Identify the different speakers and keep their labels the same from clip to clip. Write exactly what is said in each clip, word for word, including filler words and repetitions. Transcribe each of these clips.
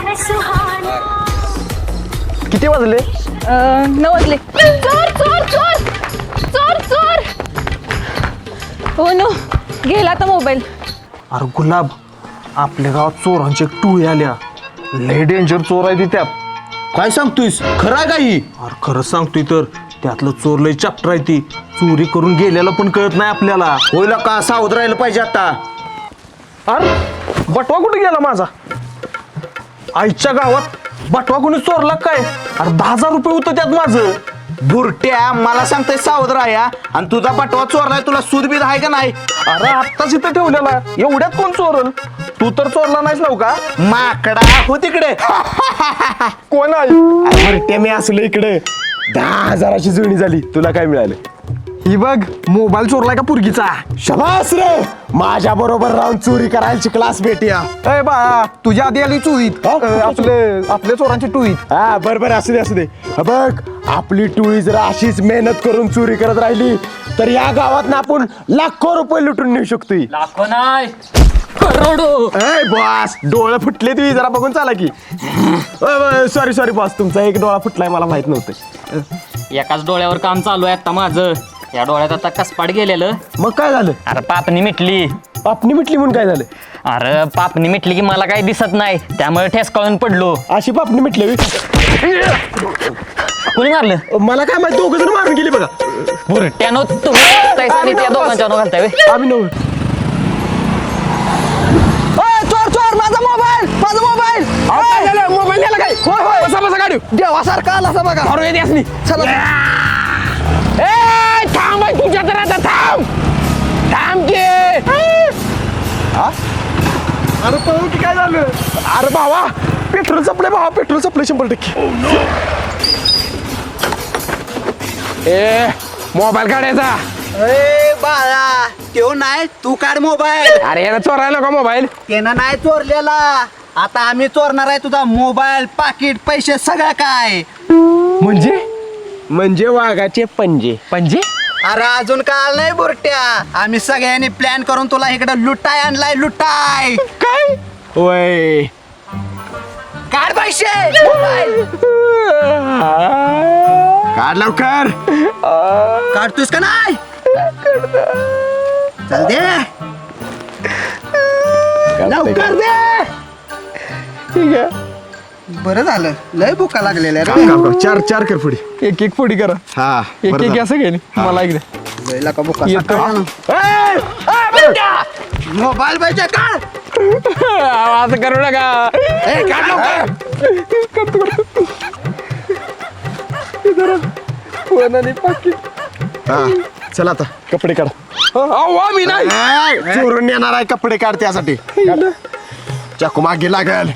Speaker 1: किती वाजले?
Speaker 2: नऊ वाजले. चोर चोर चोर चोर चोर. हो नो, गेला आता मोबाईल.
Speaker 1: अरे गुलाब, आपल्या गावात चोरांची एक टोळी आल्या. लय डेंजर चोर आहे ती त्यात.
Speaker 3: काय सांगतोयस? खरं आहे काही?
Speaker 1: अरे खरंच सांगतोय तर. त्यातलं चोर लय चॅप्टर आहे ती. चोरी करून गेलेला पण कळत नाही आपल्याला.
Speaker 3: होईल का? सावध राहिलं पाहिजे आता.
Speaker 1: अरे बटवा कुठे गेला माझा? आईच्या गावात बटवा कोणी चोरला काय? अरे दहा हजार रुपये होतं त्यात माझं.
Speaker 3: बुरट्या, मला सांगतोय सावध राहा. आणि तुझा बटवा चोरलाय, तुला सूदबीद आहे का नाही?
Speaker 1: अरे आत्ताच इथं ठेवलेला. एवढ्यात कोण चोरल? तू तर चोरला नाहीस नव का?
Speaker 3: माकडा हो तिकडे.
Speaker 1: कोण आहे?
Speaker 3: बुरट्या, मी असलो इकडे. दहा हजाराची जुळणी झाली. तुला काय मिळालं?
Speaker 1: ही बघ, मोबाईल चोरलाय का पुरगीचा?
Speaker 3: शबास रे, माझ्या बरोबर राहून चोरी करायची क्लास भेटिया.
Speaker 1: अय बा, तुझ्या आधी आली चोईत. आपले आपल्या चोरांची टोळीत.
Speaker 3: हा बरोबर, असू दे असू दे. हा बघ, आपली टोळी जर अशीच मेहनत करून चोरी करत राहिली तर या गावात ना आपण लाखो रुपये लुटून नेऊ शकतोय.
Speaker 4: लाखो नाही, करोडो.
Speaker 3: ए बॉस, डोळे फुटले तुम्ही, जरा बघून चाला की. सॉरी सॉरी बॉस, तुमचा एक डोळा फुटलाय, मला माहित नव्हतं.
Speaker 4: एकाच डोळ्यावर काम चालू आहे आता माझं. या डोळ्यात आता कसपाट गेलेलं.
Speaker 3: मग काय झालं?
Speaker 4: अरे पापणी मिटली.
Speaker 3: पापणी मिटली म्हणून काय झालं?
Speaker 4: अरे पापणी मिटली की मला काही दिसत नाही, त्यामुळे ठेसकाळून पडलो.
Speaker 3: अशी पापणी मिटली?
Speaker 4: कोणी मारलं?
Speaker 3: मला काय माहिती, दोघ जण मारून गेली बघा.
Speaker 4: बुरट्यानो तुम्ही आणि त्या दोघांच्या घालताय व्हय?
Speaker 3: आम्ही नव्हे.
Speaker 1: चोर चोर, माझा मोबाईल माझा मोबाईल.
Speaker 3: मोबाईल नेला काय?
Speaker 1: होय होय,
Speaker 3: बसा बसा गाडी.
Speaker 1: देवासारखा आला असा बघा.
Speaker 3: धरून येते असली.
Speaker 1: चला.
Speaker 3: ए थांब बाई, तुझ्या तर आता थांब थांब की.
Speaker 1: अरे पाहू की काय झालं?
Speaker 3: अरे भावा, पेट्रोल संपले भावा, पेट्रोल संपले शंभर टक्के. ए मोबाईल काढायचा.
Speaker 5: ए बाळा, तो नाही, तू काढ मोबाईल.
Speaker 3: अरे याला चोरायला का मोबाईल?
Speaker 5: त्यानं नाही चोरलेला. आता आम्ही चोरणार आहे तुझा मोबाईल, पाकिट, पैसे, सगळं काय.
Speaker 3: म्हणजे म्हणजे वाघाचे पंजे.
Speaker 4: पंजे?
Speaker 5: अरे अजून काल नाही बुरट्या. आम्ही सगळ्यांनी प्लॅन करून तुला इकडे लुटाय आणलाय, लुटाय.
Speaker 3: काय? वय
Speaker 5: काढ पैसे, मोबाईल.
Speaker 3: काढ लवकर.
Speaker 5: काढतोस का नाही? चल दे लवकर दे.
Speaker 3: ठीक आहे.
Speaker 5: बरं झालं, लय भुका लागलेल्या रे.
Speaker 3: काम काम काम. चार चार कर पुढे.
Speaker 1: एक एक फोडी करा.
Speaker 3: हा
Speaker 1: एक
Speaker 3: बरं
Speaker 1: एक
Speaker 3: झालं.
Speaker 1: असं घे. मला इकडे
Speaker 5: लयला का भुका
Speaker 1: येतो.
Speaker 5: सकाळी ना. मोबाईल पाहिजे काढ.
Speaker 1: असं करू नका.
Speaker 3: ए, काढ लवकर. हा चल आता कपडे काढ.
Speaker 1: मी नाही.
Speaker 3: ए, चोरून येणार आहे, कपडे काढ त्यासाठी. चाकू मागे लागल.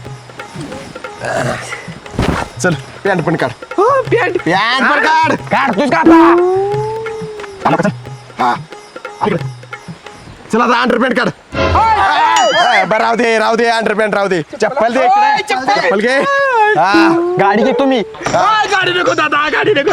Speaker 3: चल पॅन्ट पण काढ.
Speaker 1: पॅन्ट
Speaker 3: पॅन्ट पण काढ.
Speaker 1: काढतोस का आता?
Speaker 3: आला का? हा इकडे. चल आता अंडरपॅन्ट काढ. ए, बरं राहू दे राहू दे, अंडरपॅन्ट राहू दे. चप्पल दे इकडे. चप्पल घे. हा
Speaker 1: गाडी घे तुम्ही.
Speaker 3: गाडी नको दादा, गाडी नको.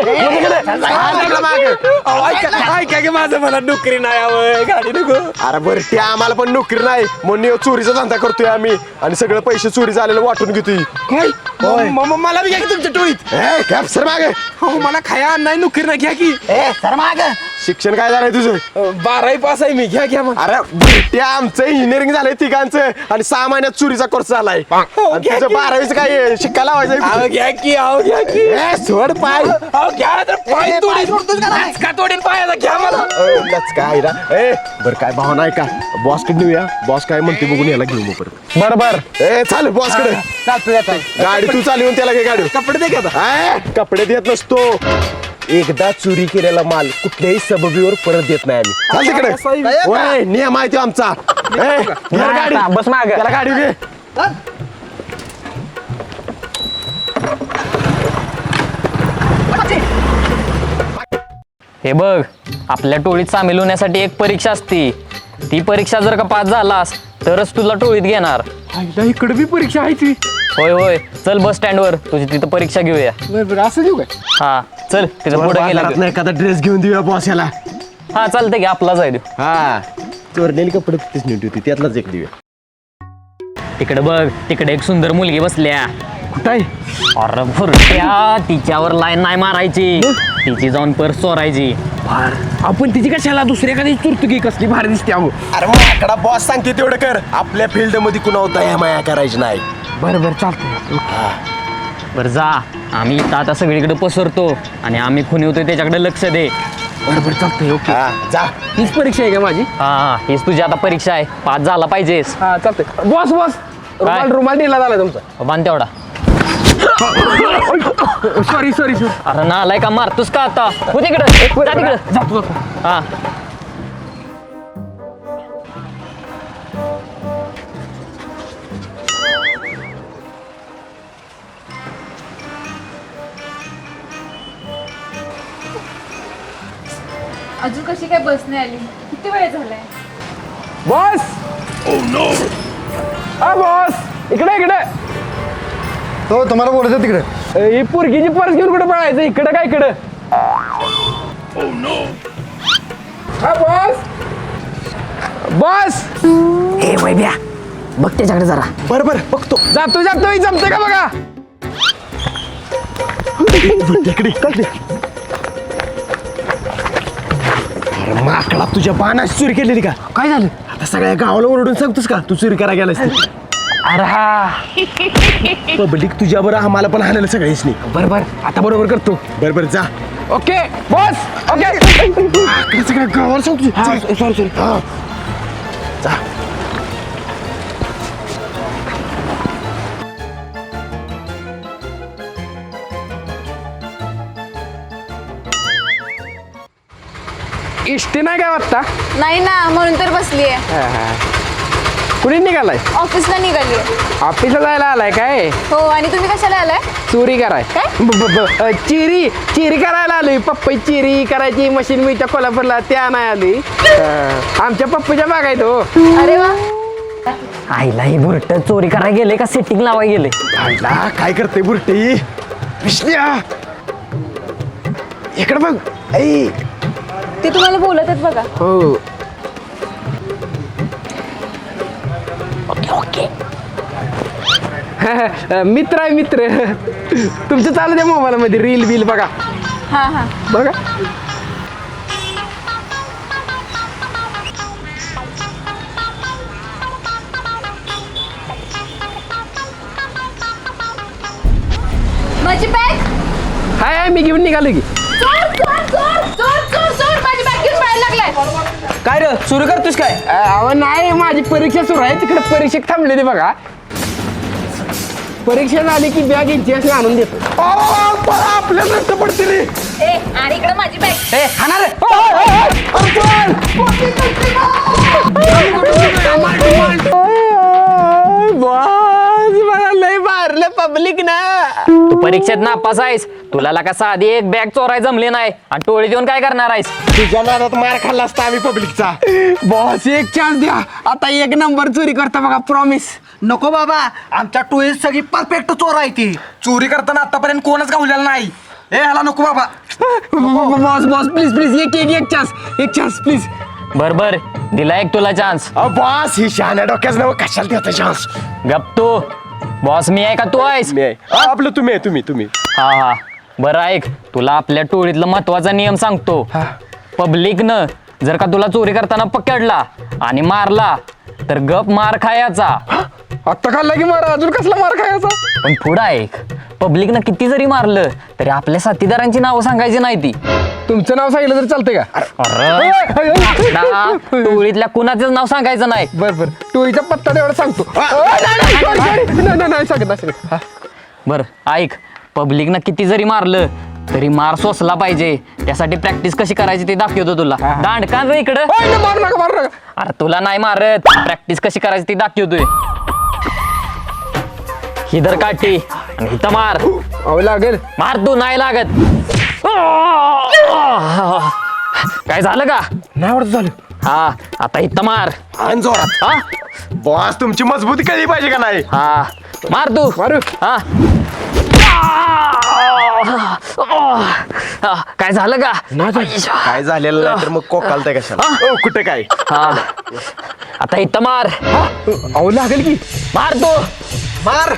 Speaker 1: ऐका की माझं, मला नोकरी नाही हवं, गाडी नको.
Speaker 3: अरे बरं, ते आम्हाला पण नोकरी नाही म्हणून चोरीचा धंदा करतोय आम्ही, आणि सगळे पैसे चोरी झालेलं वाटून घेतोय.
Speaker 1: काय? मला बी घ्या की तुमच्या टोळीत.
Speaker 3: ए कॅप सर मागे.
Speaker 1: मला खाया नाही, नोकरी नाही, घ्या की.
Speaker 5: ए सर माग.
Speaker 3: शिक्षण काय झालंय तुझं?
Speaker 1: बारावी पास आहे मी, घ्या घ्या मग.
Speaker 3: अरे ते आमचं इंजिनिअरिंग झालंय तिघांचं, आणि सहा महिन्यात चोरीचा कोर्स झालाय. आणि तुझं बारावीचं काय शिक्का लावायचं?
Speaker 1: अहो घ्या की, अहो घ्या की.
Speaker 3: ए, सोड पाय.
Speaker 1: अहो घ्या तर पाय तोडीन. का तोडीन पायाला, घ्या मला.
Speaker 3: काय रा ए बर, काय भावना आहे का? बॉस कडे नेऊया, बॉस काय म्हणते बघून याला घेऊ मग परत.
Speaker 1: बर बर.
Speaker 3: ए चाल बॉस कडे. गाडी तू चालवून त्याला घे गाडी.
Speaker 1: कपडे दे की आता.
Speaker 3: ए, कपडे देत नसतो. एकदा चोरी केलेला माल कुठल्याही सबबीवर परत देत नाही आम्ही. चाल तिकडे. ओय, नियम आहे तो आमचा. ए, घे गाडी.
Speaker 1: बस माग.
Speaker 3: त्याला गाडी घे.
Speaker 4: हे बघ, आपल्या टोळीत सामील होण्यासाठी एक परीक्षा असते. ती परीक्षा जर का पास झालास तरच तुला टोळीत घेणार.
Speaker 1: इकडे बी परीक्षा आहे ती.
Speaker 4: होय होय, चल बस स्टँडवर तुझी तिथं परीक्षा घेऊया.
Speaker 1: असं घेऊ काय?
Speaker 4: हा चल, तिथं पुढे गेला.
Speaker 3: बाजारात नाही एखादा ड्रेस घेऊन देऊया बॉस याला.
Speaker 4: हा चालतंय की, आपलाच आहे तो.
Speaker 3: हा चोरलेले कपडे तिथेच नेऊन ठेवते, त्यातलाच एक देऊया.
Speaker 4: तिकडे बघ, तिकडे एक सुंदर मुलगी बसल्या.
Speaker 1: कुठं आहे?
Speaker 4: अरे भुरट्या, तिच्यावर लाईन नाही मारायची, तिची जाऊन पर्स चोरायची.
Speaker 1: आपण तिची कशाला दुसऱ्या एखादी चुरतुकी कसली भारी दिसते अगो.
Speaker 3: अरे माकडा बॉस सांगते तेवढं कर. आपल्या फील्ड मध्ये कुणा होता या माया करायची नाही.
Speaker 1: बरं बरं चालतंय.
Speaker 4: बरं जा, आम्ही इथं आता सगळीकडे पसरतो आणि आम्ही खुनी होतोय त्याच्याकडे लक्ष दे.
Speaker 1: बरं बरं चालतंय. ओके.
Speaker 3: हा जा.
Speaker 1: हीच परीक्षा आहे का माझी?
Speaker 4: हा, हीच तुझी आता परीक्षा आहे, पास झाला पाहिजेस.
Speaker 1: हा चालतंय. बॉस बॉस रुमाल रुमाल दिला झाला तुमचा.
Speaker 4: बांध तेवढा.
Speaker 1: Sorry sorry sorry.
Speaker 4: अरे ना आलाय का, मारतोस का आता? हो तिकडं, जा तिकडं.
Speaker 1: जातो जातो.
Speaker 4: हा.
Speaker 2: अजून कशी काय बस नाही आली? किती वेळ झालाय?
Speaker 1: बॉस. हा बॉस इकडे इकडे.
Speaker 6: हो तुम्हाला बोलायचं तिकडे.
Speaker 1: ही पोरगीची पर्स घेऊन कुठे पळायचं? इकडं काय इकडं? हा बॉस. बॉस.
Speaker 4: ए वैभ्या, बघ त्याच्याकडे जरा.
Speaker 3: बरं बरं बघतो.
Speaker 1: जातो जातो. ही जमते का बघा.
Speaker 3: इकडे चल. अरे माकडा, तुझ्या बाणाची चोरी केलेली का?
Speaker 1: काय झालं?
Speaker 3: आता सगळ्या गावाला ओरडून सांगतोस का तू चोरी करा गेलास ते?
Speaker 1: अरे हा.
Speaker 3: पब्लिक तुझ्या बरं आम्हाला पण हाणायला सगळ्याच नाही.
Speaker 1: बरं बरं आता बरोबर करतो.
Speaker 3: बरं बरं जा.
Speaker 1: Okay boss. ओके.
Speaker 3: इकडे सगळ्या गावाला सांगतो.
Speaker 1: Sorry sorry.
Speaker 3: हा जा.
Speaker 1: इष्टी नाही काय वाटता?
Speaker 2: नाही ना, म्हणून तर बसलीये.
Speaker 1: कुणी निघालाय?
Speaker 2: ऑफिसला निघालीये.
Speaker 1: ऑफिसला जायला आलाय काय?
Speaker 2: हो, आणि तुम्ही कशाला आलाय?
Speaker 1: चोरी कराय.
Speaker 2: काय?
Speaker 1: ब- ब- ब- अ, चिरी चिरी करायला आलोय. पप्पई चिरी करायची मशीन मिळत्या कोल्हापूरला, त्या नाही आली. अ, आमच्या पप्पूच्या बाग आहेत हो.
Speaker 2: अरे वा.
Speaker 4: आईला ही बुरट चोरी करायला गेले का सेटिंग लावाय गेले?
Speaker 3: आईला काय करते बुरटी? विष्ण्या इकडे बघ. ऐ
Speaker 2: ते तुम्हाला बोलत आहेत बघा.
Speaker 1: हो. अ, मित्र आहे मित्र. तुमचं चालू द्या मोबाईलमध्ये रील बिल बघा.
Speaker 2: हा हा.
Speaker 1: बघा.
Speaker 2: माझी बॅग.
Speaker 1: हाय हाय मी घेऊन निघालो की.
Speaker 2: चोर चोर चोर चोर चोर चोर माझी बॅग घेऊन बाहेर लागलाय.
Speaker 1: काय रे सुरू करतोस काय? अहो नाही, माझी परीक्षा सुरू आहे, तिकडे परीक्षेत थांबलेली बघा. परीक्षा झाली की बॅग इतिहास आणून देतो.
Speaker 3: आपल्या नष्ट पडते रे.
Speaker 2: ए, आणि इकडे माझी बॅग.
Speaker 1: ए खाणार रे. बॉस मला लय मारलं पब्लिक ना.
Speaker 4: तू परीक्षेत नापास आहेस, तुला लागा साधी एक बॅग चोराय जमले नाही आणि टोळी देऊन काय करणार आहेस?
Speaker 3: तुझ्या नादात मार खाल्ला असता आम्ही पब्लिकचा.
Speaker 1: बॉस एक चान्स द्या, आता एक नंबर चोरी करता बघा, प्रॉमिस.
Speaker 5: नको बाबा, आमच्या टोळीत सगळी परफेक्ट चोर आहे ती.
Speaker 7: चोरी करताना आतापर्यंत कोणच गावलेला नाही. ए ह्याला नको बाबा.
Speaker 1: बॉस बॉस प्लीज प्लीज एक एक एक चान्स एक चान्स प्लीज.
Speaker 4: बर बर, दिला एक तुला चान्स.
Speaker 3: बॉस ही शहाण्या डोक्याच नाव कशाला देता चान्स?
Speaker 4: गप तू. बॉस मी आहे का तू आहेस?
Speaker 3: मी आहे. हा, आपलं तुम्ही आहे, तुम्ही तुम्ही
Speaker 4: हा हा, बरं ऐक, तुला आपल्या टोळीतला महत्वाचा नियम सांगतो. पब्लिकनं जर का तुला चोरी करताना पकडला आणि मारला तर गप मार खायचा.
Speaker 1: आत्ता खाल्ला की मारा, अजून कसला मार खायचा?
Speaker 4: पण पुढं ऐक, पब्लिकनं किती जरी मारलं तरी आपल्या साथीदारांची नावं सांगायची नाही ती.
Speaker 1: तुमचं नाव सांगितलं तर चालतंय का?
Speaker 4: अरे ना, टोळीतल्या कुणाचंच नाव सांगायचं नाही.
Speaker 1: बर बर, टोळीचा पत्ता तेवढा सांगतो. अ, नाही, नाही, sorry, sorry. नाही नाही, नाही सांगत नाही सांगत. हा.
Speaker 4: बर ऐक, पब्लिकनं किती जरी मारलं तरी मार सोसला पाहिजे, त्यासाठी प्रॅक्टिस कशी करायची ते दाखवतो तुला. दांडकान रे इकडं.
Speaker 1: ओय, नाही, मारू नका मारू नका.
Speaker 4: अरे तुला नाही मारत, प्रॅक्टिस कशी करायची ती दाखवतोय. ही धर काठी आणि इथं मार.
Speaker 1: अहो लागेल.
Speaker 4: मार तू, नाही लागत. काय झालं का?
Speaker 1: नाही आवडत झालं.
Speaker 4: हा आता इथं मार
Speaker 3: आणि जोरात
Speaker 4: हा
Speaker 3: बॉस तुमची मजबूती कळली पाहिजे का नाही
Speaker 4: हा मार तू
Speaker 3: मारू
Speaker 4: हा हा, काय झालं का
Speaker 3: काय झालेलं नाही तर मग कोकालताय कशाला ओ कुठे काय
Speaker 4: हा आता इथं मार
Speaker 1: अहो लागेल की
Speaker 4: मार तू
Speaker 3: मार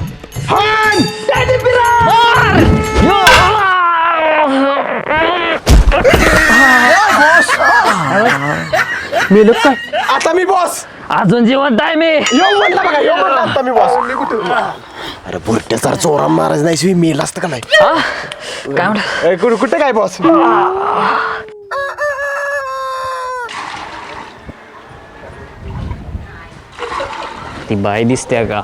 Speaker 1: मेलं काय
Speaker 3: आता मी बॉस
Speaker 4: अजून जिवंत आहे मी
Speaker 3: येऊ म्हणला बघा येऊ म्हणला आता मी बॉस अरे बुरट्याचा चोरा महाराज नाही मेल असतं का नाही
Speaker 4: हा? काय म्हणलं
Speaker 3: ए, कुठे कुठे काय बॉस
Speaker 4: ती बाई दिसते का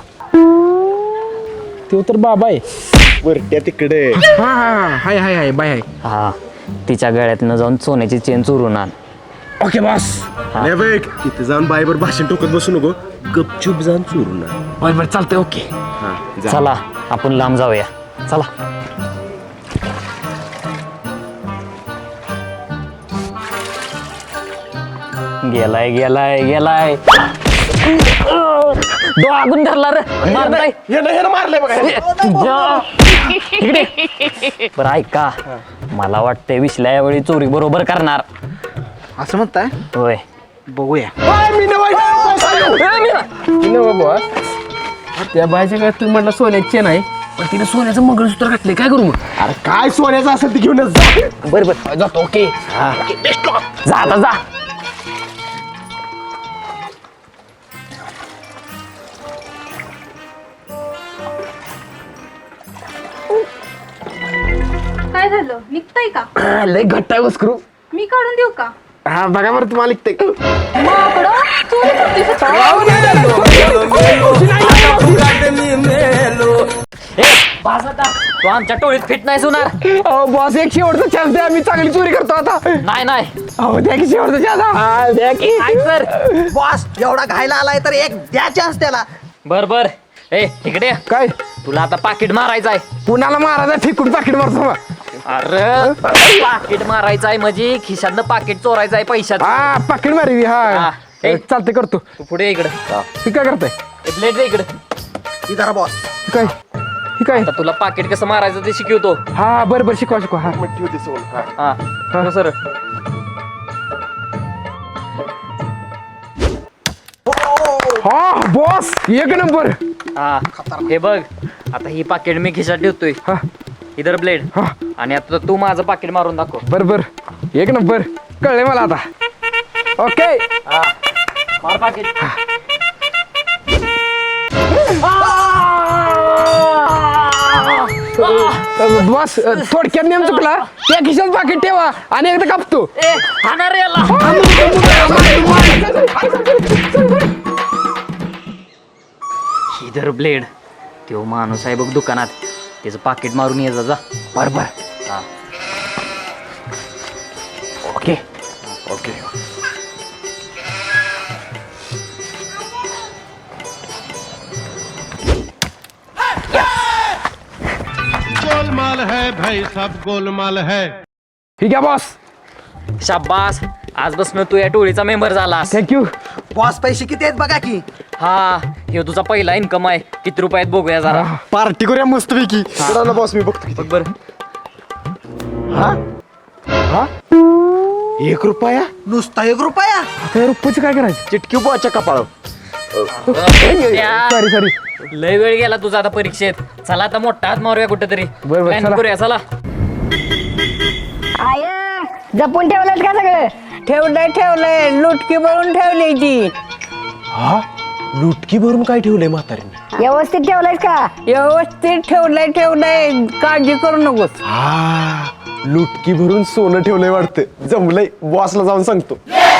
Speaker 1: तो तर बाबा आहे
Speaker 3: बुरट्या तिकडे
Speaker 1: हा हा हाय हाय हाय बाय हाय
Speaker 4: हा तिच्या गळ्यातनं जाऊन सोन्याची चेन चोरून आण
Speaker 1: ओके बॉस
Speaker 3: नाही बघ तिथे जाऊन बाईवर भाषण टोकत बसू नको गपचूप जाऊन चोरून आण.
Speaker 1: बरं बरं चालतंय ओके
Speaker 3: हा, जा.
Speaker 4: चला आपण लांब जाऊया चला गेलाय गेलाय गेलाय डोळागून धरला रे मार नाही
Speaker 3: हे ना हे ना मारलंय बघा हे.
Speaker 4: तुझ्या इकडे बरं ऐका मला वाटतंय विश्ल्या यावेळी चोरी बरोबर करणार
Speaker 5: असं म्हणताय
Speaker 4: होय
Speaker 5: बघूया
Speaker 3: ओय, मी नवाई बॉस आलो.
Speaker 1: बाबा त्या बायच्या काय तुम्ही म्हटलं सोन्याची नाही पण तिने सोन्याचं मंगळसूत्र घातले काय करू मग
Speaker 3: अरे काय सोन्याचं असेल ते घेऊनच जा
Speaker 1: बरं बरं जातो ओके
Speaker 4: जा आता जा
Speaker 2: काय झालं निघताय का
Speaker 1: लय घट्ट आहे बस करू
Speaker 2: मी काढून देऊ का
Speaker 1: हा बघा बरं तुम्हाला लिखते
Speaker 2: माकडं, चोरी करतेस.
Speaker 4: ए बास आता तू आमच्या टोळीत फिट नाही होणार
Speaker 1: अहो बॉस एक शेवटचा चान्स द्या मी चांगली चोरी करतो आता
Speaker 4: नाही नाही
Speaker 1: अहो द्या की शेवटचा चान्स हा द्या की
Speaker 4: काय कर
Speaker 5: बॉस एवढा घायला आलाय तर एक द्या चान्स त्याला
Speaker 4: बर बर ए इकडे ये.
Speaker 1: काय
Speaker 4: तुला आता पाकिट मारायचं आहे
Speaker 1: पुण्याला महाराजा फेकून पाकिट मारतो मग
Speaker 4: अरे पाकिट मारायचं आहे म्हणजे खिशातनं पाकिट चोरायचं आहे पैशाचं
Speaker 1: हा पाकिट मारवी
Speaker 4: हा.
Speaker 1: हा
Speaker 4: ए.
Speaker 1: चालते करतो
Speaker 4: तू पुढे ये इकडे
Speaker 1: ही काय करताय
Speaker 4: ब्लेड दे इकडे
Speaker 5: ही धरा बॉस
Speaker 1: ही काय ही काय
Speaker 4: आता तुला पाकिट कसं मारायचं ते शिकवतो
Speaker 1: हा बरं बरं शिकवा शिकवा हा
Speaker 3: ठेव ते सोन हा.
Speaker 4: हा हो सर
Speaker 1: हा बॉस एक नंबर
Speaker 4: हा हे बघ आता ही पाकिट मी खिशात ठेवतोय
Speaker 1: हा
Speaker 4: इधर ब्लेड
Speaker 1: हा
Speaker 4: आणि आता तू माझं पाकिट मारून दाखव
Speaker 1: बर बर एक नंबर कळले मला आता ओके
Speaker 4: मार पाकिट
Speaker 1: बॉस थोडक्यात नेम चुकला त्या खिशात पाकिट ठेवा आणि एकदा कापतो
Speaker 4: ए हाणार याला इधर ब्लेड तो माणूस आहे बघ दुकानात त्याचं पाकिट मारून ये जा जा
Speaker 1: बर बर
Speaker 4: हा
Speaker 1: ओके
Speaker 3: ओके
Speaker 8: गोलमाल है भाई सब गोलमाल है
Speaker 1: ठीक आहे बॉस
Speaker 4: शाबास आजपासून तू या टोळीचा मेंबर झालास
Speaker 1: थँक्यू
Speaker 5: बॉस पैसे किती आहेत बघा की
Speaker 4: हा हे तुझा पहिला इन्कम आहे किती रुपयात बघूया जरा
Speaker 3: पार्टी करूया मस्त पैकी चला ना बॉस मी बघतो किती
Speaker 4: बघ बर
Speaker 3: हा हा एक रुपया
Speaker 5: नुसता एक रुपया
Speaker 1: आता रुपयाचं काय करायचं
Speaker 3: चिटकी बॉच्या कपाळ
Speaker 1: सॉरी सॉरी
Speaker 4: लय वेळ गेला तुझा आता परीक्षेत चला आता मोठा हात मारूया कुठेतरी
Speaker 1: बर, बर,
Speaker 4: Plan
Speaker 1: चला.
Speaker 4: करूया चला
Speaker 9: आय जपून ठेवलं का सगळं
Speaker 10: ठेवलंय ठेवलंय लुटकी भरून ठेवली ती
Speaker 3: हा लुटकी भरून काय ठेवलंय म्हातारीने
Speaker 9: व्यवस्थित ठेवलंय का
Speaker 10: व्यवस्थित ठेवलंय ठेवलंय काळजी करू नकोस
Speaker 3: हा लुटकी भरून सोनं ठेवलंय वाटतं जमलंय बॉसला जाऊन सांगतो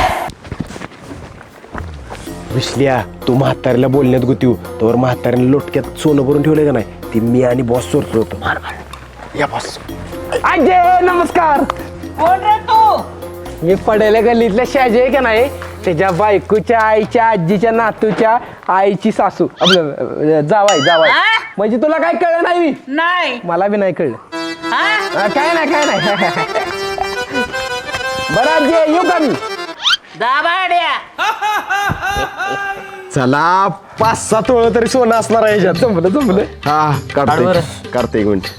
Speaker 3: विसल्या तू म्हातारीला बोलण्यात गुतीव तोवर म्हातारीने लोटक्यात सोनं भरून ठेवलंय का नाही ती मी आणि बॉस चोरतो होतो या बॉस
Speaker 1: अजय नमस्कार
Speaker 10: कोण रे तू
Speaker 1: मी पडेल गल्लीतल्या शाजी आहे का नाही त्याच्या बायकोच्या आईच्या आजीच्या नातूच्या आईची सासू आपलं अं, जावाई जावाई
Speaker 10: आ?
Speaker 1: म्हणजे तुला काय कळलं नाही बी?
Speaker 10: नाही
Speaker 1: मला बी नाही कळलं
Speaker 10: हा?
Speaker 1: अं, काय नाही काय नाही बरं आजी येऊ का मी
Speaker 3: चला पाच सात तोळ तरी सोनं असणार आहे ह्याच्यात.
Speaker 1: जमलं जमलं
Speaker 3: हा
Speaker 4: काढ
Speaker 3: काढते
Speaker 4: बरं.
Speaker 3: काढते एक मिनिट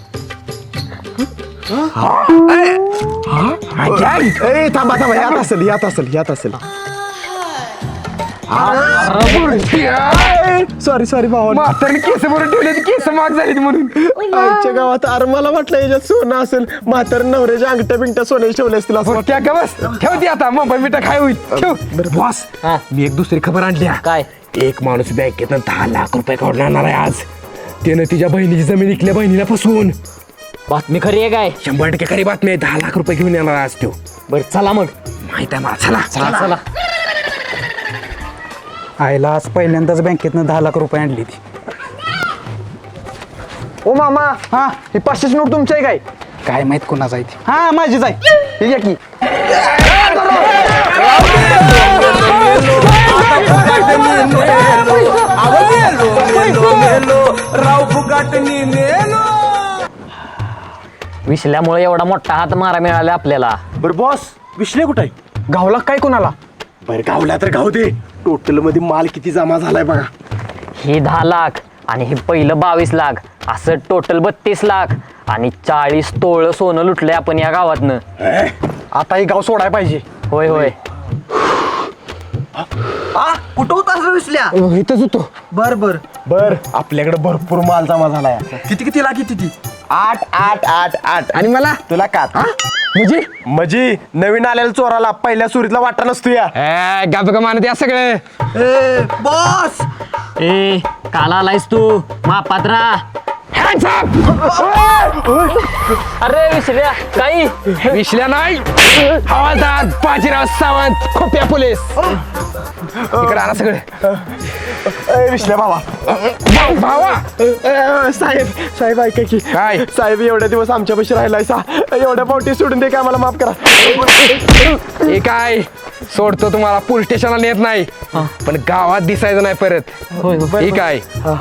Speaker 3: ए थांबा थांबा यात असेल यात असेल यात असेल सॉरी सॉरी भावा
Speaker 1: म्हातारने केस भरून ठेवले केस माग झाली म्हणून
Speaker 3: आईच्या गावात अरे मला वाटलं याच्यात सोनं असेल म्हातार नवऱ्याच्या अंगठ्या बिंगट्या सोन्याच्या ठेवल्या असतील असं
Speaker 1: क्या का बस ठेवते आता मुंबई मिठा खाय होईल ठेव बरं बॉस
Speaker 4: हा.
Speaker 1: मी एक दुसरी खबर आणली हा.
Speaker 4: काय
Speaker 1: एक माणूस बँकेतनं दहा लाख रुपये काढून आणणार आहे आज त्यानं तिच्या बहिणीची जमीन इकल्या बहिणीला फसवून
Speaker 4: बातमी खरी आहे काय
Speaker 1: शंभर टक्के खरी बातमी आहे दहा लाख रुपये घेऊन येणार आज तो
Speaker 4: बरं चला मग
Speaker 1: माहित आहे मला चला
Speaker 4: चला चला
Speaker 6: आईला आज पहिल्यांदाच बँकेतनं दहा लाख रुपये आणली ती.
Speaker 1: ओ मामा हा ही पाचशेच नोट तुमची आहे काय
Speaker 6: काय माहित कोणाचा आहे ती.
Speaker 1: हा माझीच आहे हे घ्या की
Speaker 4: विसल्यामुळे एवढा मोठा हात मारा मिळाला आपल्याला.
Speaker 3: बरं बॉस विश्ले कुठं आहे
Speaker 1: गावला काय कोणाला
Speaker 3: बरं गावला तर गाव दे टोटल मध्ये माल किती जमा झालाय बघा
Speaker 4: ही दहा लाख आणि हे पहिलं बावीस लाख असं टोटल बत्तीस लाख आणि चाळीस तोळ सोनं लुटलंय आपण या गावातनं.
Speaker 1: आता हे गाव सोडाय पाहिजे
Speaker 4: होय होय
Speaker 5: आ कुठं होतास रे विसल्या
Speaker 1: इथंच होतो
Speaker 5: बर बर
Speaker 3: बर आपल्याकडे भरपूर माल जमा झालाय
Speaker 5: किती किती लाख किती
Speaker 3: आठ आठ आठ आठ
Speaker 1: आणि मला
Speaker 3: तुला का
Speaker 1: म्हणजे
Speaker 3: म्हणजे नवीन आलेल्या चोराला पहिल्या सुरीतला वाटा नसतो या
Speaker 1: गाप का मानत या सगळं
Speaker 5: ए बॉस
Speaker 4: ए काल आलायस तू महापात्रा. अरे विसल्या काही
Speaker 1: विश्ल्या नाही हवालदार बाजीराव सावंत खोप्या पोलीस इकडे आला सगळं
Speaker 3: ए, विश्ल्या भावा
Speaker 1: भाऊ- भावा
Speaker 3: ए, ए, साहेब साहेब ऐका की
Speaker 1: काय?
Speaker 3: साहेब एवढ्या दिवस आमच्या पैसे राहिलाय सा एवढ्या पावटी सोडून दे काय मला माफ करा
Speaker 1: हे काय सोडतो तुम्हाला पोलीस स्टेशनला नेत नाही पण गावात दिसायचं नाही परत हे काय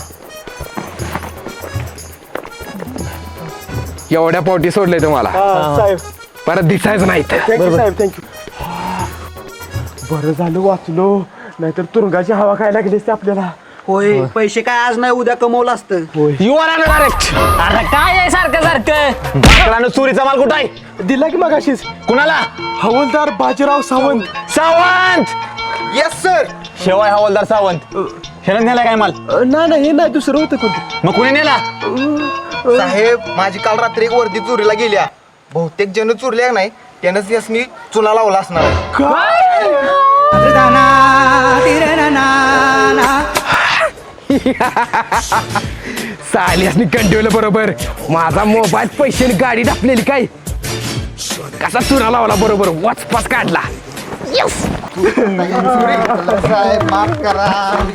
Speaker 1: एवढ्या पोटी सोडले तुम्हाला
Speaker 3: हा, साहेब
Speaker 1: परत दिसायचं नाही इथं.
Speaker 3: थँक्यू साहेब थँक्यू बरं झालं वाचलो नाहीतर तुरुंगाची हवा खायला लागली असते आपल्याला
Speaker 5: होय पैसे काय आज नाही उद्या कमवलं असतं
Speaker 1: You are under arrest.
Speaker 4: अरे काय आहे सारखं सारखं
Speaker 1: चोरीचा माल कुठं आहे
Speaker 3: दिला की मगाशीच
Speaker 1: कुणाला
Speaker 3: हवालदार बाजीराव सावंत
Speaker 1: सावंत
Speaker 3: येस सर
Speaker 1: शेवाय हवालदार सावंत ह्यानं नेला काय माल
Speaker 3: नाही नाही हे नाही दुसरं होतं कोणतं
Speaker 1: मग कुणी नेला
Speaker 5: साहेब माझी काल रात्री एक वर्दी चोरीला गेल्या बहुतेक जण चोरल्या नाही त्यानंच यास मी चुना लावला असणार
Speaker 1: सालियासनी कंटिवलं बरोबर माझा मोबाईल पैसे गाडी टाकलेली काय कसा चुना लावला बरोबर वाचपास काढला
Speaker 5: साहेब माफ करा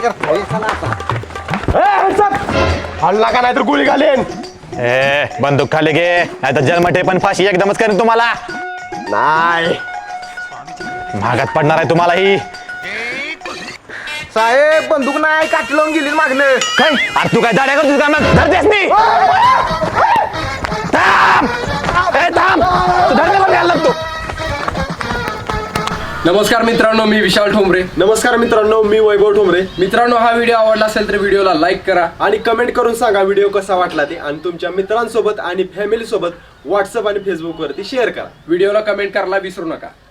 Speaker 3: हल्ला का नाही तर गोळी घालेन
Speaker 11: ए बंदूक खाली घे नाही तर जन्मठे पण फाशी एकदमच करेन तुम्हाला.
Speaker 3: नाही
Speaker 11: महागात पडणार आहे तुम्हाला ही.
Speaker 5: साहेब बंदूक नाही काठी लावून गेली मागणं
Speaker 11: काय अरे तू काय दाड्या करतोस का मग धरतेस मी थांब ए थांब तू धरण्याला घ्यायला लागतो.
Speaker 12: नमस्कार मित्रांनो, मी विशाल ठोंबरे.
Speaker 3: नमस्कार मित्रांनो मी वैभव ठोंबरे.
Speaker 12: मित्रांनो, हा व्हिडिओ आवडला असेल तर व्हिडिओला लाईक करा
Speaker 3: आणि कमेंट करून सांगा व्हिडिओ कसा वाटला ते आणि तुमच्या मित्रांसोबत आणि फॅमिली सोबत व्हॉट्सअप आणि फेसबुक वरती शेअर करा.
Speaker 12: व्हिडिओला कमेंट करायला विसरू नका.